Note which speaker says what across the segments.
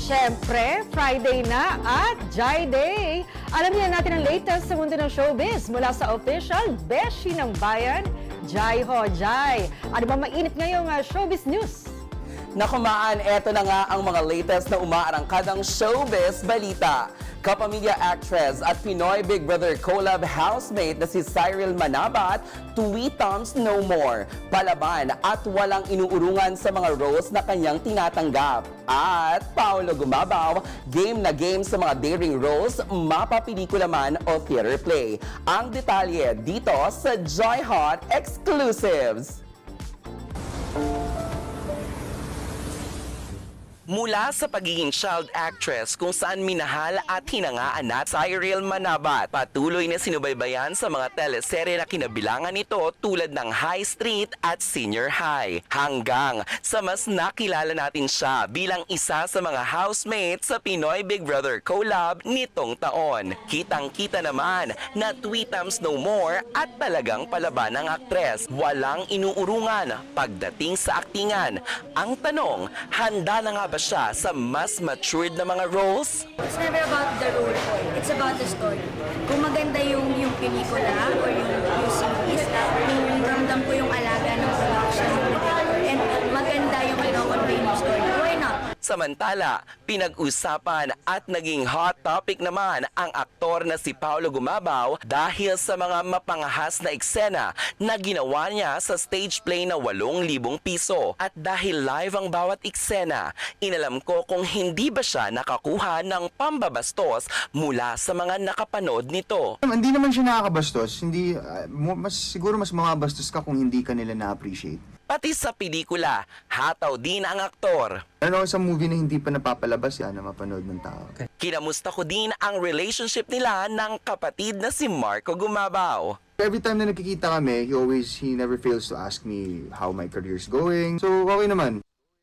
Speaker 1: Siyempre, Friday na at Jai Day. Alam niyo natin ang latest sa mundo ng showbiz mula sa official Beshi ng Bayan, Jai Ho Jai. Ano ba mainit ngayong showbiz news?
Speaker 2: Nakumaan, eto na nga ang mga latest na umaarangkadang showbiz balita. Kapamilya actress at Pinoy Big Brother collab housemate na si Cyril Manabat, tweetums no more. Palaban at walang inuurungan sa mga roles na kanyang tinatanggap. At Paolo Gumabaw, game na game sa mga daring roles, mapapelikula man o theater play. Ang detalye dito sa Joy Hot Exclusives. Mula sa pagiging child actress kung saan minahal at hinangaan na Cyril Manabat, patuloy na sinubaybayan sa mga teleserye na kinabilangan nito tulad ng High Street at Senior High. Hanggang sa mas nakilala natin siya bilang isa sa mga housemates sa Pinoy Big Brother collab nitong taon. Kitang-kita naman na tweetums no more at talagang palaban ng aktres. Walang inuurungan pagdating sa aktingan. Ang tanong, handa na nga ba siya sa mas matured na mga roles?
Speaker 3: It's never about the role po. It's about the story. Kung maganda yung pelikula or yung series, kung ramdam ko yung alaga ng production ng director, and maganda yung convey ng story, why not?
Speaker 2: Samantala, pinag-usapan at naging hot topic naman ang aktor na si Paolo Gumabaw dahil sa mga mapangahas na eksena na ginawa niya sa stage play na 8,000 piso. At dahil live ang bawat eksena, inalam ko kung hindi ba siya nakakuha ng pambabastos mula sa mga nakapanood nito.
Speaker 4: Hindi naman siya nakakabastos. Hindi, siguro mas mababastos ka kung hindi ka nila na-appreciate.
Speaker 2: Pati sa pelikula, hataw din ang aktor.
Speaker 4: Ano sa movie na hindi pa napapalabas yan na mapanood ng tao?
Speaker 2: Kinamusta ko din ang relationship nila ng kapatid na si Marco Gumabaw.
Speaker 4: Every time na nagkikita kami, he never fails to ask me how my career's going. So, okay naman.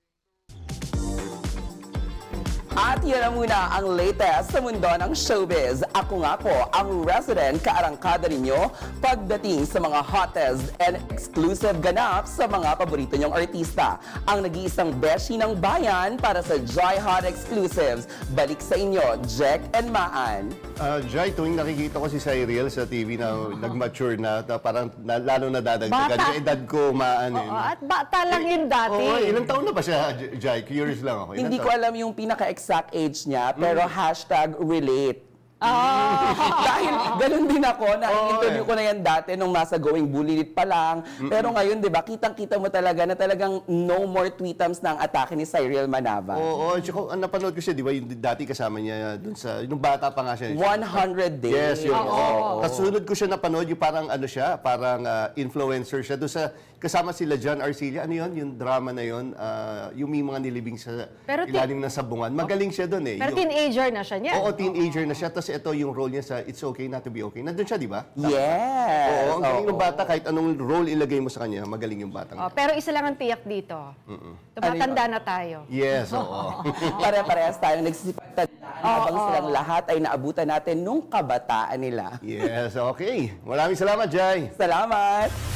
Speaker 2: At yan na muna ang latest sa mundo ng showbiz. Ako nga po ang resident kaarangkada ninyo pagdating sa mga hottest and exclusive ganap sa mga paborito nyong artista. Ang nag-iisang beshi ng bayan para sa Joy Hot Exclusives. Balik sa inyo, Jack and Maan.
Speaker 5: Jai, tuwing nakikita ko si Cyril sa TV na nag-mature na parang lalo na dadagdagan.
Speaker 1: Bata.
Speaker 5: Yung edad ko maan
Speaker 1: Oo, at bata lang yun dati.
Speaker 5: Oo, ilang taon na ba siya, Jai? Curious lang ako.
Speaker 2: Hindi ko alam yung pinaka-exact age niya, pero #relate. Dahil ganun din ako, na-interview ko na yan dati nung nasa Going Bulilit pa lang. Pero ngayon, di ba, kitang-kita mo talaga na talagang no more tweetums ng atake ni Cyril Manabat.
Speaker 5: Oo, tsaka napanood ko siya, di ba, yung dati kasama niya dun sa, yung bata pa nga siya.
Speaker 2: 100 days.
Speaker 5: Yes, yun.
Speaker 1: Oo.
Speaker 5: Kasunod ko siya napanood, yung parang ano siya, parang influencer siya. Doon sa, kasama sila John Arcilla, ano yun, yung drama na yun, yung may mga nilibing sa
Speaker 1: Pero
Speaker 5: ilalim ng sabungan. Magaling siya doon eh.
Speaker 1: Pero
Speaker 5: Yung-
Speaker 1: teenager na siya niya.
Speaker 5: Oo, teenager na siya. Tapos ito yung role niya sa It's Okay Not to Be Okay. Nandun siya, di ba?
Speaker 2: Yes.
Speaker 5: Oo, ang galing ng
Speaker 2: Oo.
Speaker 5: bata. Kahit anong role ilagay mo sa kanya, magaling yung batang.
Speaker 1: Oh, pero isa lang ang tiyak dito. Tumatanda na tayo.
Speaker 5: Yes, oo.
Speaker 2: Pare-parehas tayong nagsisipagtandaan habang silang lahat ay naabutan natin nung kabataan nila.
Speaker 5: Yes, okay. Maraming salamat, Jai.
Speaker 2: Salamat!